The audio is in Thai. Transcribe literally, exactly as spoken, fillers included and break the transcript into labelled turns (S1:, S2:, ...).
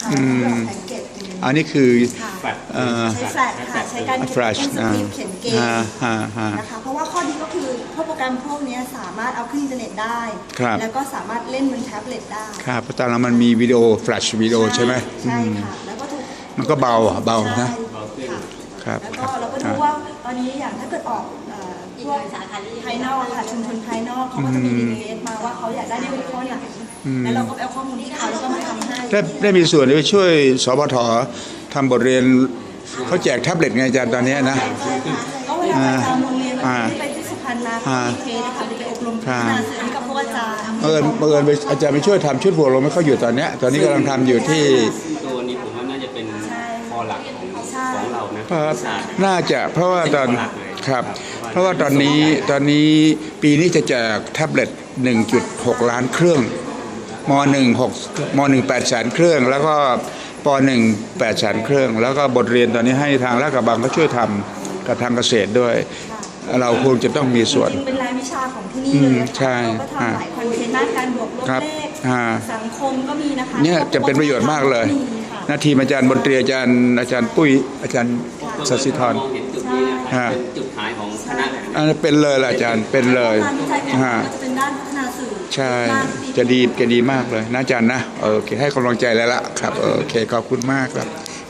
S1: ค่ะแพ็กเกจ
S2: อันนี้คือ
S1: ใช้แฟลชค่ะใช้การเขียนสคริปต์เขียนเกมนะคะเพราะว่าข้อดีก็คือพวกโปรแกรมพวกนี้สามารถเอาขึ้นอินเทอร์เน็ตได้แล้วก็สามารถเล่นบนแท็บเล็ตได้
S2: ครับเพราะตอนนั้นมันมีวิดีโอแฟลชวิดีโอใช่ไหม
S1: ใช่ค่ะแล้วก็ถูก
S2: มันก็เบาเบานะ
S1: ค่ะแล้วก็เราก็ดูว่าตอนนี้อย่างถ้าเกิดออกพวกภายนอกค่ะชุมชนภายนอกเขาก็จะมีรีเควสมาว่าเขาอยากได้ในหัวข้อไหนแล้วเราก็ไปเอาข้อมูลที่เขาแล้วก็มาทำให้
S2: ได้ได้มีส่วนไปช่วยสปททำบทเรียนเขาแจกแท็บเล็ตไงอาจารย์ตอนนี้นะ
S1: ก็เวลาอาจารย์โรงเรียนที่ไปที่สุพรรณมาเขามีเคสค่ะไปอบรมพัฒนาสื่อกับพวกอาจารย์
S2: เออเอออาจารย์ไปช่วยทำชุดหัวลมไม่เขาอยู่ตอนนี้ตอนนี้กำลังทำอยู่ที่
S3: ตัวนี้ผมว่าน่าจะเป็นคอหลักของของเรานะ
S2: น่าจะเพราะว่าตอนครับเพราะว่าตอนนี้ตอนนี้ปีนี้จะแจกแท็บเล็ต หนึ่งจุดหก ล้านเครื่องม หนึ่ง หก ม หนึ่ง แปด แสนเครื่องแล้วก็ป หนึ่ง แปด แสนเครื่องแล้วก็บทเรียนตอนนี้ให้ทางราชกระบังก็ช่วยทำกับทางเกษตรด้วยเราคงจะต้องมีส่วน
S1: เป็นรายวิชาของที่นี่เลย
S2: ใช่
S1: เราก็ทำหลายคอนเทนต์ด้านการบวกลบเลขสังคมก็มีนะคะ
S2: เนี่ยจะเป็นประโยชน์มากเลยนาทีอาจารย์บนตรีอาจารย์อาจารย์ปุ้ยอาจารย์สัสิธร
S3: เป็นจุดขายของคณะ
S2: อันนี้เป็นเลยล่ะอาจารย์เป็นเลย
S1: ฮะจะเป็นด้านพัฒนาสื่อ
S2: ใช่จะดีจะดีมากเลยนะอาจารย์นะโอเคให้กำลังใจแล้วล่ะครับโอเคขอบคุณมากครับ